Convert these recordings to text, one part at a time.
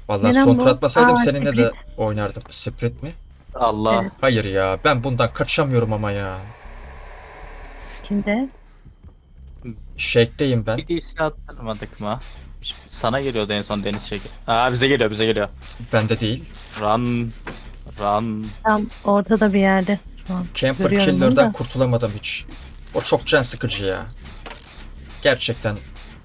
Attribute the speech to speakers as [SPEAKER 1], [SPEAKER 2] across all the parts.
[SPEAKER 1] Vallahi
[SPEAKER 2] Neden
[SPEAKER 1] son tur
[SPEAKER 2] bu?
[SPEAKER 1] atmasaydım
[SPEAKER 2] Aa,
[SPEAKER 1] seninle de
[SPEAKER 2] Sprit.
[SPEAKER 1] oynardım. Sprint mi?
[SPEAKER 2] Evet.
[SPEAKER 3] Allah.
[SPEAKER 1] Hayır ya, ben bundan kaçamıyorum ama ya.
[SPEAKER 2] Kimde?
[SPEAKER 1] Shake'deyim ben.
[SPEAKER 3] Bir DC attırmadık mı? Sana geliyordu en son deniz şekli. Aa, bize geliyor, bize geliyor.
[SPEAKER 1] Bende değil.
[SPEAKER 3] Run. Run.
[SPEAKER 2] Tam ortada bir yerde şu an.
[SPEAKER 1] Camper
[SPEAKER 2] Görüyorum onu
[SPEAKER 1] Killer'dan
[SPEAKER 2] da.
[SPEAKER 1] kurtulamadım hiç. O çok can sıkıcı ya. Gerçekten.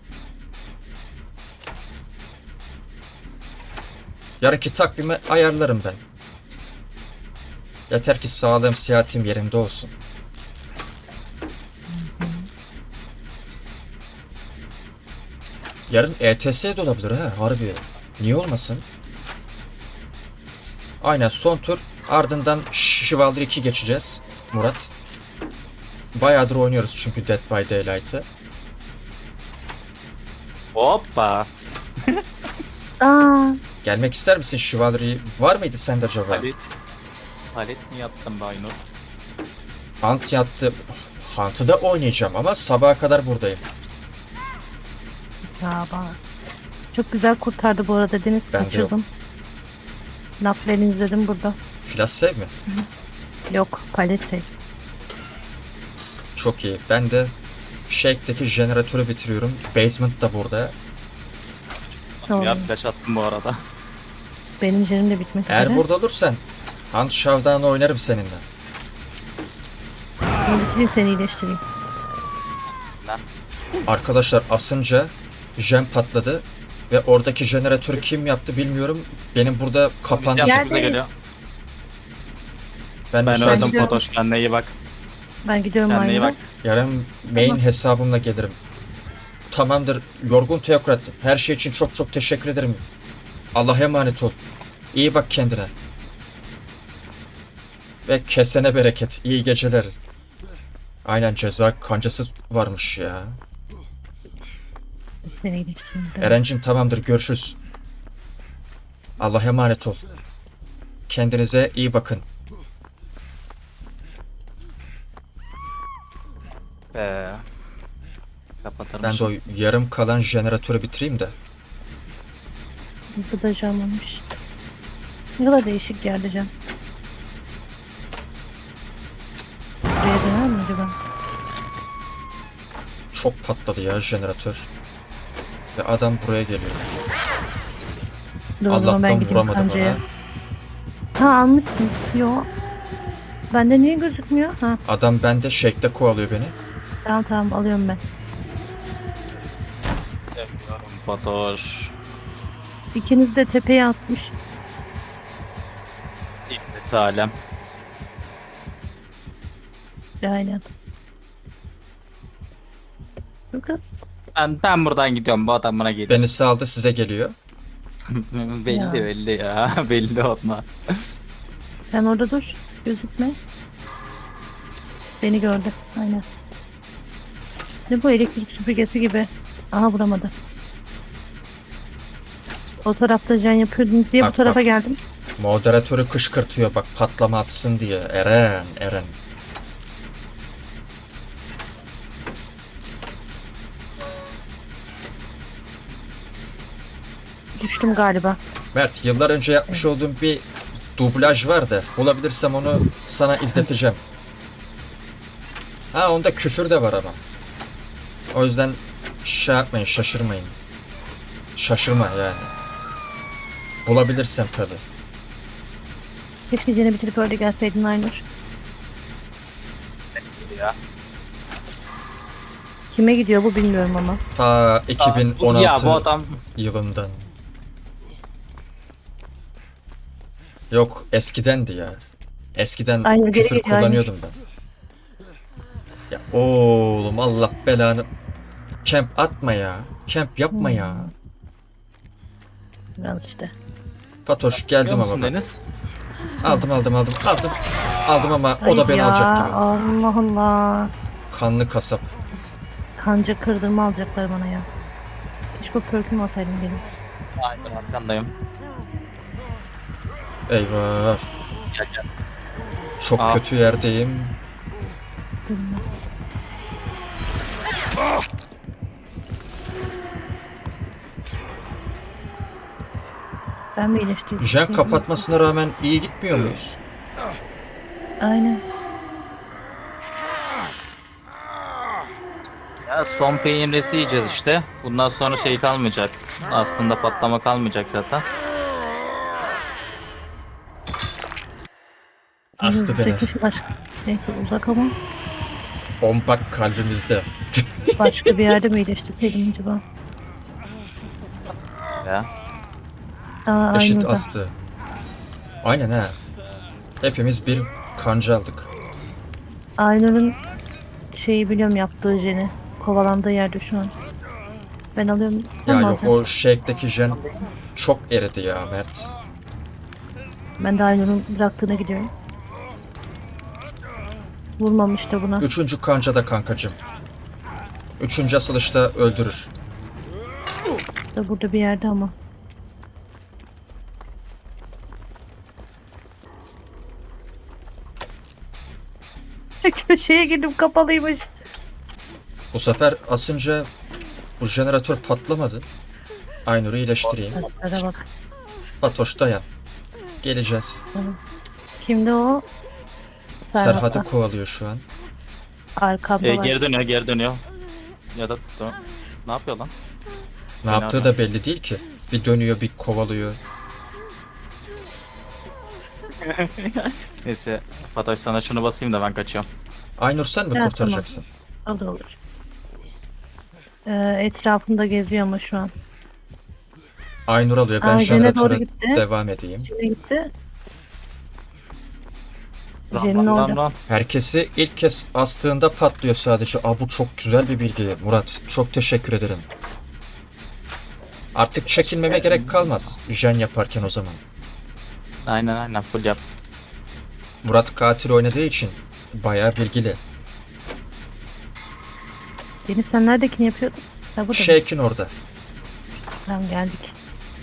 [SPEAKER 1] Yarınki takvimi ayarlarım ben. Yeter ki sağlığım, sıhhatim yerinde olsun. Yarın ETS de olabilir ha, harbi. Niye olmasın? Aynen, son tur. Ardından Chivalry 2 geçeceğiz Murat. Bayağıdır oynuyoruz çünkü Dead by Daylight'ı.
[SPEAKER 3] Hoppa.
[SPEAKER 2] Aa,
[SPEAKER 1] Gelmek ister misin Chivalry? Var mıydı sende acaba?
[SPEAKER 3] Palet. Palet mi yattın Baynur?
[SPEAKER 1] Hunt yattı. Hunt'ı da oynayacağım ama sabaha kadar buradayım.
[SPEAKER 2] ya bak. Çok güzel kurtardı bu arada Deniz.
[SPEAKER 1] Ben de
[SPEAKER 2] Kaçırdım. Laflarını izledim burada.
[SPEAKER 1] Flash save mi?
[SPEAKER 2] Yok, palete.
[SPEAKER 1] Çok iyi. Ben de Shake'deki jeneratörü bitiriyorum. Basement da burada.
[SPEAKER 2] Doğru.
[SPEAKER 3] Ya flash attım bu arada.
[SPEAKER 2] Benim jenim de bitmek
[SPEAKER 1] Eğer
[SPEAKER 2] üzere.
[SPEAKER 1] burada olursan Hunt Showdown'ı oynarım seninle.
[SPEAKER 2] Ben bitireyim, seni iyileştireyim.
[SPEAKER 1] Arkadaşlar asınca jen patladı ve oradaki jeneratörü kim yaptı bilmiyorum. Benim burada kapandı.
[SPEAKER 3] Bize
[SPEAKER 2] Gel.
[SPEAKER 3] bize geliyor.
[SPEAKER 1] Ben
[SPEAKER 3] Ben
[SPEAKER 1] müsaitim.
[SPEAKER 3] öldüm
[SPEAKER 2] gidiyorum.
[SPEAKER 3] Fatoş. Kendine iyi bak.
[SPEAKER 2] Ben gidiyorum
[SPEAKER 3] Kendine iyi
[SPEAKER 2] aynı.
[SPEAKER 3] bak.
[SPEAKER 1] Yarın main
[SPEAKER 2] Tamam.
[SPEAKER 1] hesabımla gelirim. Tamamdır. Yorgun Teokrat. Her şey için çok çok teşekkür ederim. Allah'a emanet ol. İyi bak kendine. Ve kesene bereket. İyi geceler. Aynen, ceza kancası varmış ya.
[SPEAKER 2] Seni iyileştireyim.
[SPEAKER 1] Erencim tamamdır, görüşürüz. Allah'a emanet ol. Kendinize iyi bakın.
[SPEAKER 3] Kapatır
[SPEAKER 1] Ben de o
[SPEAKER 3] mısın?
[SPEAKER 1] yarım kalan jeneratörü bitireyim de.
[SPEAKER 2] Bu da cam olmuş. Ne kadar değişik yerde cam. Buraya döner mi acaba?
[SPEAKER 1] Çok patladı ya jeneratör. Ve adam buraya geliyor.
[SPEAKER 2] Dur, o zaman ben
[SPEAKER 1] Allah'tan
[SPEAKER 2] gideyim
[SPEAKER 1] vuramadım
[SPEAKER 2] kancaya.
[SPEAKER 1] ona.
[SPEAKER 2] Ha, almışsın. Yo. Bende niye gözükmüyor? Ha,
[SPEAKER 1] Adam bende Shake'de kovalıyor beni.
[SPEAKER 2] tamam tamam, alıyorum ben.
[SPEAKER 3] Seviyorum Fatoş.
[SPEAKER 2] İkiniz de tepeye asmış.
[SPEAKER 3] İbnet alem.
[SPEAKER 2] Aynen. Bu kız.
[SPEAKER 3] Ben buradan gidiyorum. Bu adam bana gelir.
[SPEAKER 1] Beni saldı, size geliyor.
[SPEAKER 3] belli
[SPEAKER 2] Ya.
[SPEAKER 3] belli ya. belli onlar.
[SPEAKER 2] Sen orada dur. Gözükme. Beni gördü. Aynen. Ne bu, elektrik süpürgesi gibi. Aha, vuramadı. O tarafta can yapıyordunuz diye
[SPEAKER 1] Bak,
[SPEAKER 2] bu tarafa
[SPEAKER 1] bak.
[SPEAKER 2] geldim.
[SPEAKER 1] Moderatörü kışkırtıyor bak, patlama atsın diye. Eren.
[SPEAKER 2] Düştüm galiba.
[SPEAKER 1] Mert, yıllar önce yapmış olduğum bir dublaj var da bulabilirsem onu sana izleteceğim. Ha, onda küfür de var ama. O yüzden şey yapmayın, şaşırmayın. Şaşırma yani. Bulabilirsem tabi.
[SPEAKER 2] Keşke cene bitirip öyle gelseydin Aynur.
[SPEAKER 3] Neyse ya.
[SPEAKER 2] Kime gidiyor bu bilmiyorum ama.
[SPEAKER 1] Ta 2016
[SPEAKER 3] Ya bu adam
[SPEAKER 1] yılından. Yok, eskidendi ya. Eskiden
[SPEAKER 2] Aynur geri
[SPEAKER 1] küfür
[SPEAKER 2] geliyor,
[SPEAKER 1] kullanıyordum ben. Ya oğlum, Allah belanı. Camp atma ya. Camp yapma ya.
[SPEAKER 2] Al işte.
[SPEAKER 1] Fatoş,
[SPEAKER 3] biliyor
[SPEAKER 1] geldim
[SPEAKER 3] musun
[SPEAKER 1] ama bak.
[SPEAKER 3] Deniz?
[SPEAKER 1] Aldım. Aldım ama o da
[SPEAKER 2] Ay
[SPEAKER 1] beni
[SPEAKER 2] ya,
[SPEAKER 1] alacak gibi.
[SPEAKER 2] Allah Allah.
[SPEAKER 1] Kanlı kasap.
[SPEAKER 2] Kanca kırdırma alacaklar bana ya. Keşke o perk'ümü alsaydım benim.
[SPEAKER 3] Aynen arkandayım.
[SPEAKER 1] Eyvah.
[SPEAKER 3] Gel.
[SPEAKER 1] Çok
[SPEAKER 3] Aa.
[SPEAKER 1] kötü yerdeyim.
[SPEAKER 2] Bilmem. Ben mi iyileştirdim?
[SPEAKER 1] Jen kapatmasına rağmen iyi gitmiyor muyuz?
[SPEAKER 2] Aynen.
[SPEAKER 3] Ya son peynirlisi yiyeceğiz işte. Bundan sonra şey kalmayacak. Aslında patlama kalmayacak zaten.
[SPEAKER 1] Astı beni.
[SPEAKER 2] Çekiş başka. Neyse uzak ama
[SPEAKER 1] Ompak kalbimizde.
[SPEAKER 2] başka bir yerde mi iyileştirseydim acaba?
[SPEAKER 3] Ya.
[SPEAKER 2] Aa,
[SPEAKER 1] Eşit
[SPEAKER 2] aynı
[SPEAKER 1] astı. Aynen ha. Hepimiz bir kanca aldık.
[SPEAKER 2] Aynur'un şeyi biliyorum, yaptığı jeni. Kovalandığı yerde şu an. Ben alıyorum. Sen
[SPEAKER 1] Ya
[SPEAKER 2] mi
[SPEAKER 1] yok,
[SPEAKER 2] alacaksın?
[SPEAKER 1] o shake'deki jen çok eridi ya Mert.
[SPEAKER 2] Ben de Aynur'un bıraktığına gidiyorum. Vurmamış da buna.
[SPEAKER 1] Üçüncü kanca da kankacım. Üçüncü asılışta öldürür.
[SPEAKER 2] Da burada bir yerde ama. Köşeye girdim, kapalıymış.
[SPEAKER 1] Bu sefer asınca bu jeneratör patlamadı. Aynur'u iyileştireyim.
[SPEAKER 2] Hadi bak.
[SPEAKER 1] Fatoş dayan. Geleceğiz.
[SPEAKER 2] Kimdi o?
[SPEAKER 1] Serhat'ı kovalıyor şu an.
[SPEAKER 2] Arkamda var.
[SPEAKER 3] Geri dönüyor, geri dönüyor. Ya da ne yapıyor lan?
[SPEAKER 1] Ne
[SPEAKER 3] Fena
[SPEAKER 1] yaptığı da belli değil ki. Bir dönüyor, bir kovalıyor.
[SPEAKER 3] Neyse, Fatoş sana şunu basayım da ben kaçıyorum.
[SPEAKER 1] Aynur sen mi
[SPEAKER 2] Evet,
[SPEAKER 1] kurtaracaksın?
[SPEAKER 2] O da olur. Etrafımda geziyor ama şu an.
[SPEAKER 1] Aynur alıyor. Ben
[SPEAKER 2] Aa, Jen'e doğru
[SPEAKER 1] jeneratöre
[SPEAKER 2] gitti.
[SPEAKER 1] devam edeyim.
[SPEAKER 2] Jen'e gitti.
[SPEAKER 3] Ran
[SPEAKER 2] Jen'in
[SPEAKER 3] ran ran
[SPEAKER 2] orada.
[SPEAKER 3] ran.
[SPEAKER 1] Herkesi ilk kez astığında patlıyor sadece. Aa, bu çok güzel bir bilgi Murat. Çok teşekkür ederim. Artık çekinmeme gerek kalmaz. Jen yaparken o zaman.
[SPEAKER 3] Aynen full yap.
[SPEAKER 1] Murat katil oynadığı için bayağı bilgili.
[SPEAKER 2] Deniz, sen neredekini yapıyordun? Ha, burada mı?
[SPEAKER 1] Shake'in orada.
[SPEAKER 2] Tamam, geldik.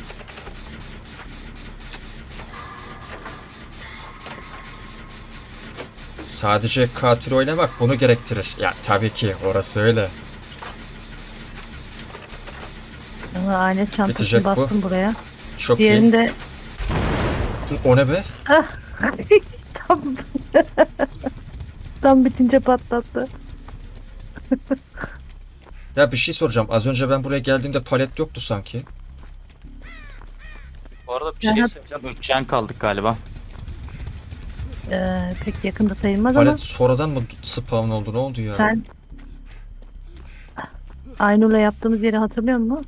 [SPEAKER 1] Sadece katil oynamak bunu gerektirir. Ya tabii ki orası öyle.
[SPEAKER 2] Ama alet çantasını
[SPEAKER 1] Bitecek bu.
[SPEAKER 2] bastım buraya.
[SPEAKER 1] Çok
[SPEAKER 2] Diğerini
[SPEAKER 1] iyi.
[SPEAKER 2] de
[SPEAKER 1] O ne be?
[SPEAKER 2] tam tam bitince patlattı.
[SPEAKER 1] Ya bir şey soracağım. Az önce ben buraya geldiğimde palet yoktu sanki.
[SPEAKER 3] Bu arada bir şey
[SPEAKER 2] Serhat-
[SPEAKER 3] söyleyeceğim. 3 can kaldık galiba.
[SPEAKER 2] Pek yakında sayılmaz
[SPEAKER 1] Palet
[SPEAKER 2] ama
[SPEAKER 1] sonradan mı spawn oldu? Ne oldu ya?
[SPEAKER 2] sen Aynur'la yaptığımız yeri hatırlıyor musun?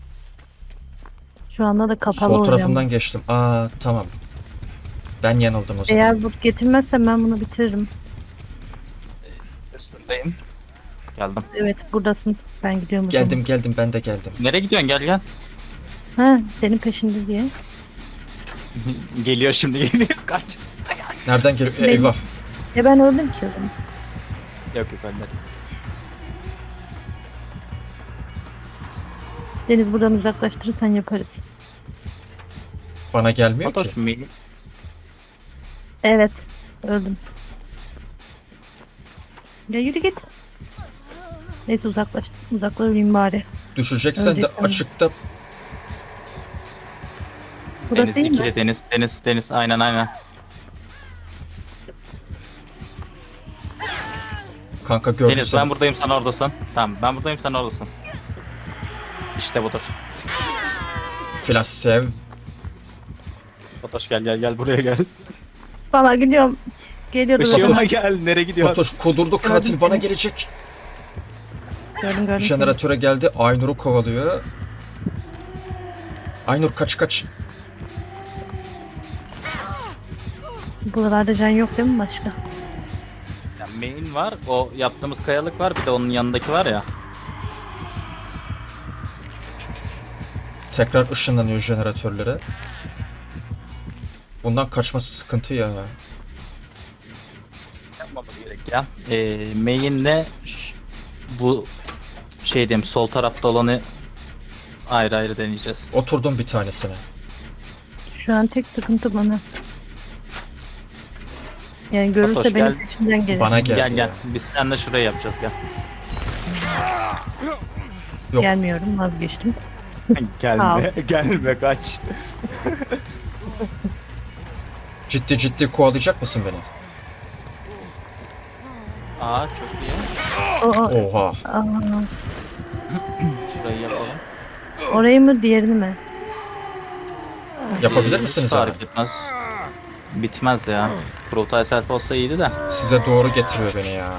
[SPEAKER 2] Şu anda da kapalı
[SPEAKER 1] Sol
[SPEAKER 2] oluyor.
[SPEAKER 1] tarafından geçtim. Aa tamam. Ben yanıldım o zaman.
[SPEAKER 2] Eğer bu getirmezsem ben bunu bitiririm.
[SPEAKER 3] Üstündeyim. Geldim.
[SPEAKER 2] Evet, buradasın. Ben gidiyorum o zaman.
[SPEAKER 1] Geldim ben de geldim.
[SPEAKER 3] Nereye gidiyorsun? Gel.
[SPEAKER 2] Ha, senin peşinde diye.
[SPEAKER 3] Geliyor şimdi geliyor. Kaç.
[SPEAKER 1] Nereden geliyor?
[SPEAKER 2] Benim-
[SPEAKER 1] Eyvah.
[SPEAKER 2] Ben öldüm ki o zaman.
[SPEAKER 3] Yok ölmedim.
[SPEAKER 2] Deniz, buradan uzaklaştırırsan yaparız.
[SPEAKER 1] Bana gelmiyor
[SPEAKER 3] Fatoş
[SPEAKER 1] ki.
[SPEAKER 3] mini.
[SPEAKER 2] Evet, öldüm. Ya yürü git. Neyse, uzaklaşayım bari.
[SPEAKER 1] Düşeceksen de
[SPEAKER 2] Öleceksen de.
[SPEAKER 1] açıkta.
[SPEAKER 2] Burası
[SPEAKER 3] Deniz
[SPEAKER 2] iyi mi?
[SPEAKER 3] ikili deniz. Aynen.
[SPEAKER 1] Kanka gördün
[SPEAKER 3] Deniz
[SPEAKER 1] sen.
[SPEAKER 3] ben buradayım sen oradasın. Tamam ben buradayım sen oradasın. İşte budur.
[SPEAKER 1] Flash sev.
[SPEAKER 3] Fatoş gel buraya gel.
[SPEAKER 2] Valla gidiyorum. Geliyordu
[SPEAKER 1] Işığıma
[SPEAKER 2] zaten.
[SPEAKER 3] Işığıma gel nereye gidiyorsun?
[SPEAKER 1] Fatoş kudurdu, katil
[SPEAKER 2] Gördüm
[SPEAKER 1] bana
[SPEAKER 2] seni.
[SPEAKER 1] gelecek.
[SPEAKER 2] Gördüm seni.
[SPEAKER 1] Jeneratöre geldi. Aynur'u kovalıyor. Aynur kaç.
[SPEAKER 2] Buralarda can yok değil mi başka?
[SPEAKER 3] Yani main var o yaptığımız kayalık var bir de onun yanındaki var ya.
[SPEAKER 1] Tekrar ışınlanıyor jeneratörlere. Bundan kaçması sıkıntı ya.
[SPEAKER 3] Yapmamız gerek ya. Main'le bu şey diyeyim sol tarafta olanı ayrı deneyeceğiz.
[SPEAKER 1] Oturdum bir tanesine.
[SPEAKER 2] Şu an tek sıkıntı bana. Yani görürse
[SPEAKER 3] Fatoş,
[SPEAKER 2] benim
[SPEAKER 3] gel.
[SPEAKER 2] peşimden gelir.
[SPEAKER 1] Bana geldi.
[SPEAKER 3] Gel
[SPEAKER 1] ya.
[SPEAKER 3] biz seninle şurayı yapacağız gel.
[SPEAKER 1] Yok.
[SPEAKER 2] Gelmiyorum, vazgeçtim.
[SPEAKER 3] Gelme, gelme kaç.
[SPEAKER 1] Ciddi ciddi kovalayacak mısın beni?
[SPEAKER 3] Aa çok iyi.
[SPEAKER 1] Oha.
[SPEAKER 3] Şurayı yapalım.
[SPEAKER 2] Orayı mı diğerini mi?
[SPEAKER 1] Yapabilir misiniz
[SPEAKER 3] Hiç
[SPEAKER 1] abi?
[SPEAKER 3] fark etmez. Bitmez ya. Kurultay selfie olsa iyiydi de.
[SPEAKER 1] Size doğru getiriyor beni ya.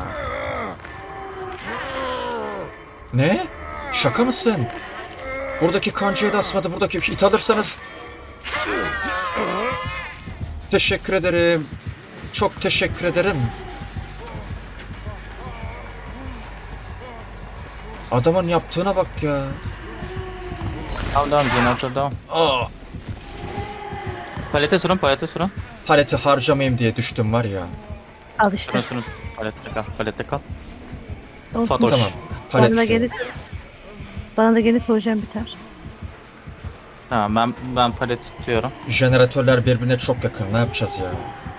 [SPEAKER 1] Ne? Şaka mısın? Buradaki kancayı da asmadı. Buradaki it alırsanız. Teşekkür ederim. Çok teşekkür ederim. Adamın yaptığına bak ya.
[SPEAKER 3] Tamam jeneratör devam.
[SPEAKER 1] Aa,
[SPEAKER 3] Palete sürün, palete sürün.
[SPEAKER 1] paleti harcamayayım diye düştüm var ya.
[SPEAKER 2] Al işte.
[SPEAKER 3] Sürün sürün. Palette kal, palette kal.
[SPEAKER 2] Olsun.
[SPEAKER 3] Fatoş.
[SPEAKER 1] Tamam.
[SPEAKER 2] Bana da
[SPEAKER 1] Palet.
[SPEAKER 2] gelirse, bana da gelirse hocam biter.
[SPEAKER 3] Tamam ben palet tutuyorum.
[SPEAKER 1] Jeneratörler birbirine çok yakın. Ne yapacağız ya?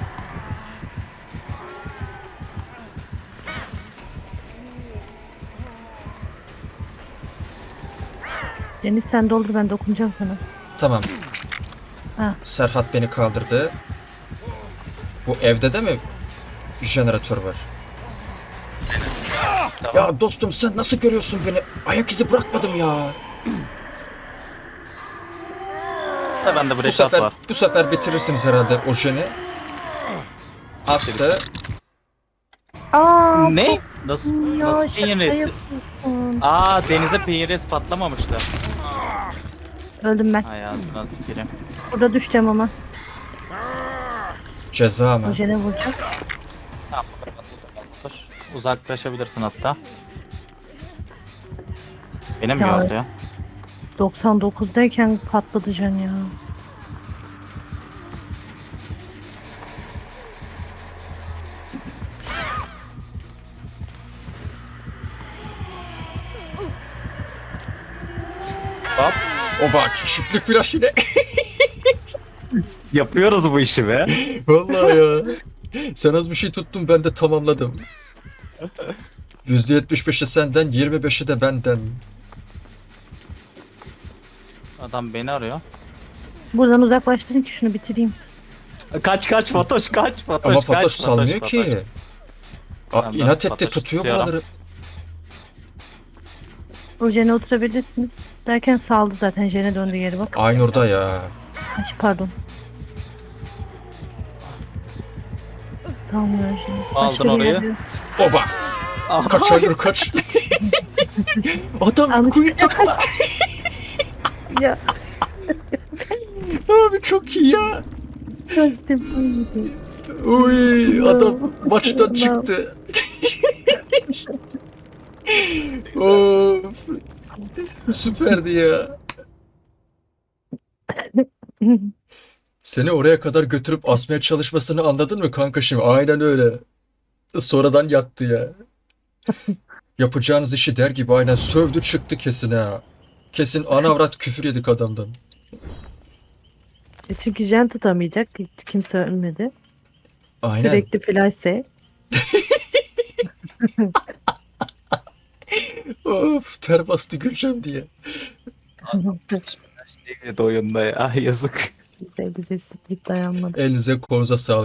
[SPEAKER 2] Deniz sen doldur, ben dokunacağım sana.
[SPEAKER 1] Tamam.
[SPEAKER 2] Ha.
[SPEAKER 1] Serhat beni kaldırdı. Bu evde de mi jeneratör var? Ya dostum sen nasıl görüyorsun beni? Ayak izi bırakmadım ya.
[SPEAKER 3] Kısa bende
[SPEAKER 1] Bu
[SPEAKER 3] breakout
[SPEAKER 1] sefer
[SPEAKER 3] var.
[SPEAKER 1] bu sefer bitirirsiniz herhalde o jeni. Astı.
[SPEAKER 2] Aa,
[SPEAKER 3] Ne? Nasıl
[SPEAKER 2] ya
[SPEAKER 3] nasıl
[SPEAKER 2] şaka
[SPEAKER 3] peynir resi?
[SPEAKER 2] yapıyorsun.
[SPEAKER 3] Aa denize peynir resi patlamamıştı.
[SPEAKER 2] Öldüm ben.
[SPEAKER 3] Ay ağzına tüküreyim.
[SPEAKER 2] Burada düşeceğim ama.
[SPEAKER 1] Ceza mı?
[SPEAKER 2] Hocana vuracağım.
[SPEAKER 3] Tamam, dur. Uzaklaşabilirsin hatta. Benim mi
[SPEAKER 2] Ya.
[SPEAKER 3] oldu ya?
[SPEAKER 2] 99'dayken patladı can ya.
[SPEAKER 3] Hop.
[SPEAKER 1] O bak çiftlik flash yine.
[SPEAKER 3] Yapıyoruz bu işi be.
[SPEAKER 1] Vallahi ya. Sen az bir şey tuttun ben de tamamladım. %75'i senden 25'i de benden.
[SPEAKER 3] Adam beni arıyor.
[SPEAKER 2] Buradan uzaklaştırın ki şunu bitireyim.
[SPEAKER 3] Kaç Fatoş kaç Fatoş
[SPEAKER 1] Ama
[SPEAKER 3] kaç,
[SPEAKER 1] Fatoş salmıyor
[SPEAKER 3] Fatoş.
[SPEAKER 1] ki.
[SPEAKER 3] Tamam, ben
[SPEAKER 1] İnat etti
[SPEAKER 3] Fatoş'u
[SPEAKER 1] tutuyor
[SPEAKER 3] tutuyorum.
[SPEAKER 1] buraları.
[SPEAKER 2] Hocana oturabilirsiniz. Derken saldı zaten, jene döndü geri bak.
[SPEAKER 1] Aynur'da ya.
[SPEAKER 2] Ay, pardon. Salmıyor jene.
[SPEAKER 3] Aldın orayı.
[SPEAKER 1] Oba.
[SPEAKER 3] Aha.
[SPEAKER 1] Kaç Aynur kaç. Adam
[SPEAKER 2] Almış.
[SPEAKER 1] kuyu çıktı.
[SPEAKER 2] Ya
[SPEAKER 1] Abi çok iyi ya.
[SPEAKER 2] kaçtım. Ay,
[SPEAKER 1] Uy adam maçtan
[SPEAKER 2] No.
[SPEAKER 1] çıktı. Of. Süperdi ya. Seni oraya kadar götürüp asmaya çalışmasını anladın mı kanka şimdi? Aynen öyle. Sonradan yattı ya. Yapacağınız işi der gibi aynen sövdü çıktı kesin ha. Kesin ana avrat küfür yedik adamdan.
[SPEAKER 2] Çünkü jen tutamayacak. Hiç kimse ölmedi.
[SPEAKER 1] Aynen.
[SPEAKER 2] Sürekli flash'e.
[SPEAKER 1] Of ter bastı güleceğim diye.
[SPEAKER 3] Oyunda ya yazık.
[SPEAKER 2] Bize split dayanmadı.
[SPEAKER 1] Elinize kolunuza sağlık.